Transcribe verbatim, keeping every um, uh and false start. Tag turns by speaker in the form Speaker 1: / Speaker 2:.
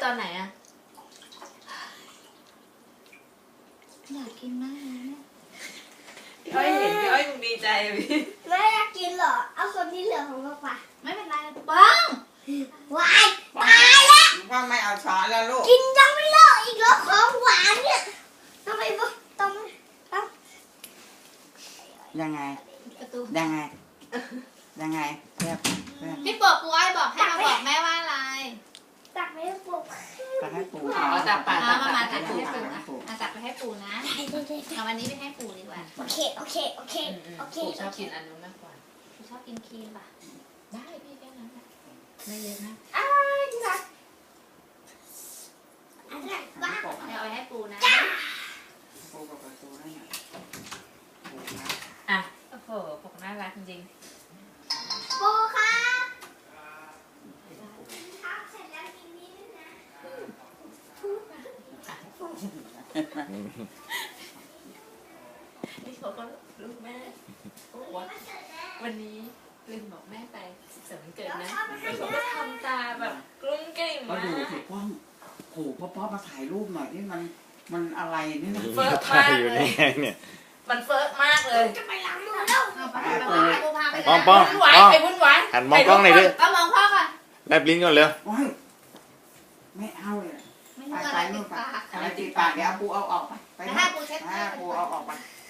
Speaker 1: ตอนไหนอะ
Speaker 2: อยากกินมากเลยเนี่ย
Speaker 1: พี่อ้อยเห็นพี่อ้อยคงดีใจพี่
Speaker 3: ไม่อยากกินหรอเอาคนที่เหลือของเราไป
Speaker 2: ไม่เป็นไรป้อง
Speaker 3: วายตายแล้ว
Speaker 4: ว่าไม่เอาช้อนแล้วลูก
Speaker 3: กินยังไม่เลิกอีกแล้วของหวานเนี่ยทำไมบ่ต้องต้อง
Speaker 4: ยังไง
Speaker 2: ประตู
Speaker 4: ยังไงยังไงเรียบเรียบ
Speaker 2: พี่ปกปูอ้อยบอกให้มาบอกแม่ว่าอะไร
Speaker 3: ตักไม่ได้ปลุก
Speaker 4: ตักให้ปู
Speaker 1: อ๋อตักปาก
Speaker 2: เอา
Speaker 1: ตัก
Speaker 2: มา
Speaker 1: ปา
Speaker 2: มาก ตักไปให้ปู่นะเอาตักไปให้ปู่นะเอาวันนี้ไปให้ปู่ดีกว่า
Speaker 3: โอเคโอเคโอเคโอเค
Speaker 1: ปู่ชอบกินอันนู้นมากกว่า
Speaker 2: ปู่ชอบกินครีมป่ะได้พี่แค่นั้นแหละไม่เยอะนะ
Speaker 3: อ้ายที่รักอะไรบ้าง
Speaker 2: เดี๋ยวเอาไปให้ปู่นะ
Speaker 4: ปูกับประตูนั่นน่ะปูนะ
Speaker 1: อ่ะโอ้โหปกน่ารักจริง
Speaker 3: ปูครับทำเสร็จแล้วกินนี้ด้วยนะ
Speaker 1: นี่เขาก็ลูกแม่ว่าวันนี้ลืมบอกแม่ไปสุขสันต์วันเกิดนะแล้วเขาก็ทำตาแบบกลุ้มกลิ่ม
Speaker 4: ก็
Speaker 1: มา
Speaker 4: ดู
Speaker 1: ก
Speaker 4: สิป้องโหพ่อป้อมาถ่ายรูปหน่อยนี่มันมันอะไรนี่นะ
Speaker 1: เฟิร์ก
Speaker 5: ถ่าม
Speaker 1: าย ก
Speaker 5: อยู่
Speaker 1: เล
Speaker 5: นี่
Speaker 1: ย
Speaker 5: ไงเนี่ย
Speaker 1: มันเฟิร์กมากเลย
Speaker 3: จะไปล้างมือแล้ว
Speaker 2: เอาไปให้ปู่พาไป
Speaker 5: ป้องป้อง
Speaker 1: วุ่นวายไปวุ่นวาย
Speaker 5: หันมองกล้องหน่อยดิ
Speaker 2: ก็มองพ่อก่อน
Speaker 5: แลบลิ้นก่อนเร็ว
Speaker 4: ว้ายไม่เอาเลย
Speaker 2: ไม่
Speaker 4: ไป
Speaker 2: รู้อะ
Speaker 4: ไป
Speaker 2: ไรติ
Speaker 4: นู่
Speaker 2: ด
Speaker 4: นไป
Speaker 2: ปาก
Speaker 4: อะไรติดปากเดี๋ยวเอาปูเอาออกไปไป
Speaker 2: แล้วให้ปูเช็ด
Speaker 4: ให้ปูเอาออกไป
Speaker 2: เ